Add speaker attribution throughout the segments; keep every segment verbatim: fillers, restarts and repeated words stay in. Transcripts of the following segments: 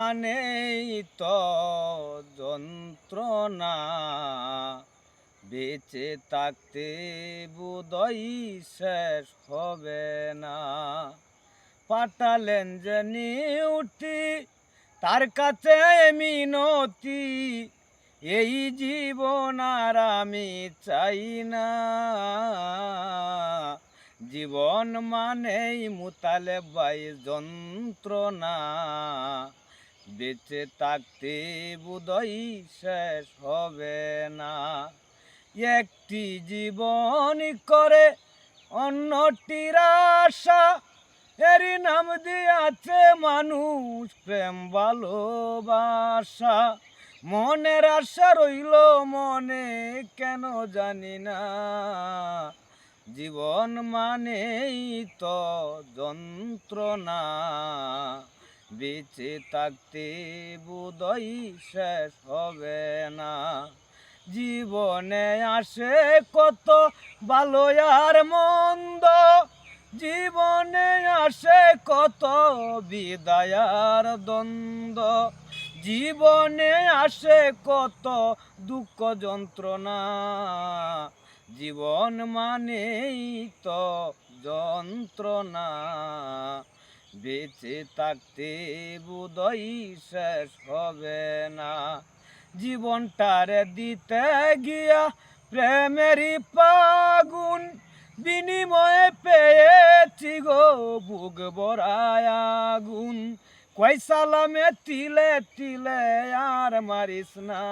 Speaker 1: মানেই তো যন্ত্রণা, বেঁচে থাকতে বোধই শেষ হবে না। পাঠালেন যে নিউটি, তার কাছে মিনতি, এই জীবন আর আমি চাই না। জীবন মানেই মুতালেব ভাই যন্ত্রণা, বেঁচে থাকতে বোধই শেষ হবে না। একটি জীবন করে অন্যটির আশা, এরই নাম দিয়াছে মানুষ প্রেম ভালোবাসা। মনের আশা রইল মনে কেন জানি না, জীবন মানেই তো যন্ত্রণা, বেঁচে থাকতে বোধই শেষ হবে না। জীবনে আসে কত ভালো আর মন্দ, জীবনে আসে কত বিদায়ার দ্বন্দ্ব, জীবনে আসে কত দুঃখ যন্ত্রণা, জীবন মানেই তো যন্ত্রণা, বেঁচে থাকতে বোধই শেষ হবে না। জীবনটারে দিতে গিয়া প্রেমেরই পাগুন, বিনিময়ে পেয়েছি গো বুক ভরায় আগুন। কই সালামে তিলে তিলে আর মারিস না,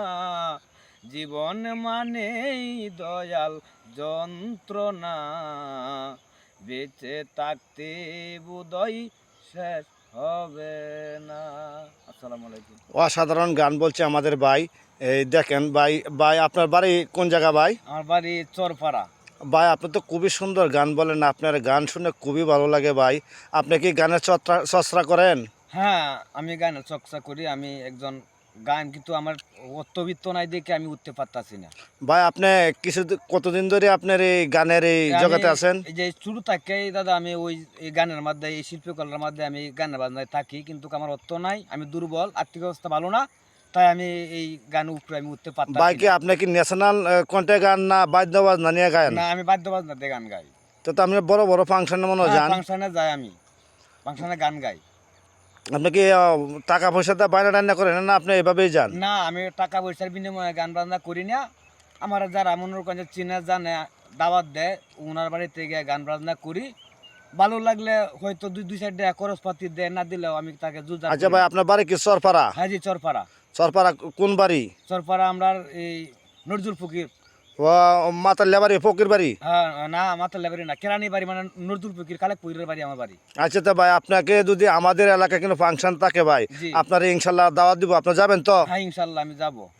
Speaker 1: জীবন মানেই দয়াল যন্ত্রণা, বেঁচে থাকতে বোধই শেষ হবে না। আসসালামু আলাইকুম।
Speaker 2: অসাধারণ গান বলছে আমাদের ভাই। এই দেখেন ভাই, ভাই আপনার বাড়ি কোন জায়গা ভাই?
Speaker 1: আমার বাড়ি চরপাড়া।
Speaker 2: ভাই আপনি তো খুবই সুন্দর গান বলেন, আপনার গান শুনে খুবই ভালো লাগে ভাই। আপনি কি গানের চর্চা চর্চা করেন?
Speaker 1: হ্যাঁ, আমি গানের চর্চা করি। আমি একজন গান, কিন্তু আমার অত্যবিত্ত নাই দেখে আমি উঠতে পারতাছি না।
Speaker 2: ভাই আপনি কিছু কতদিন ধরে আপনার এই গানের এই
Speaker 1: আমি
Speaker 2: জগতে আছেন?
Speaker 1: এই যে শুরু থেকেই দাদা আমি ওই এই গানের মধ্যে, এই শিল্পকলার মধ্যে আমি গানের বাজনায় থাকি, কিন্তু আমার অর্থ নাই, আমি দুর্বল, আর্থিক অবস্থা ভালো না, তাই আমি এই গান উপরে আমি উঠতে
Speaker 2: ভাই
Speaker 1: পারতাছি
Speaker 2: কি
Speaker 1: না।
Speaker 2: আপনি কি ন্যাশনাল কণ্ঠে গান না বাদ্যবাজ না নিয়ে গান?
Speaker 1: না, আমি বাদ্য বাজনাতে গান গাই।
Speaker 2: তো তো আপনি বড় বড় ফাংশনে মনে হয় যান।
Speaker 1: ফাংশনে যাই, আমি ফাংশনে গান গাই।
Speaker 2: আপনি কি আহ, টাকা পয়সা দিয়ে বাইরে রান্না করেন না আপনি এভাবেই যান?
Speaker 1: না, আমি টাকা পয়সার বিনিময়ে গান বাজনা করি না। আমার যারা মনে করেন চিনে জানে দাওয়াত দেয়, ওনার বাড়িতে গিয়ে গান বাজনা করি। ভালো লাগলে হয়তো দুই দুই সাইড দেয়, খরচপাতি দেয়, না দিলেও আমি তাকে জুজা।
Speaker 2: আচ্ছা ভাই আপনার বাড়ি কি চরপাড়া?
Speaker 1: হ্যাঁ জি, চরপাড়া।
Speaker 2: চরপাড়া কোন বাড়ি?
Speaker 1: চরপাড়া আমরা এই নজরুল ফকির।
Speaker 2: ও মাতার লেবারি ফকির বাড়ি?
Speaker 1: হ্যাঁ, না মাতার লেবারি না, কেরানি বাড়ি, মানে নজরুল ফকির কালেকপুরের বাড়ি আমার বাড়ি।
Speaker 2: আচ্ছা তো ভাই আপনাকে যদি আমাদের এলাকায় কোনো ফাংশন থাকে ভাই,
Speaker 1: জি।
Speaker 2: আপনার ইনশাল্লাহ দাওয়াত দিব, আপনি যাবেন তো?
Speaker 1: হ্যাঁ, ইনশাল্লাহ আমি যাবো।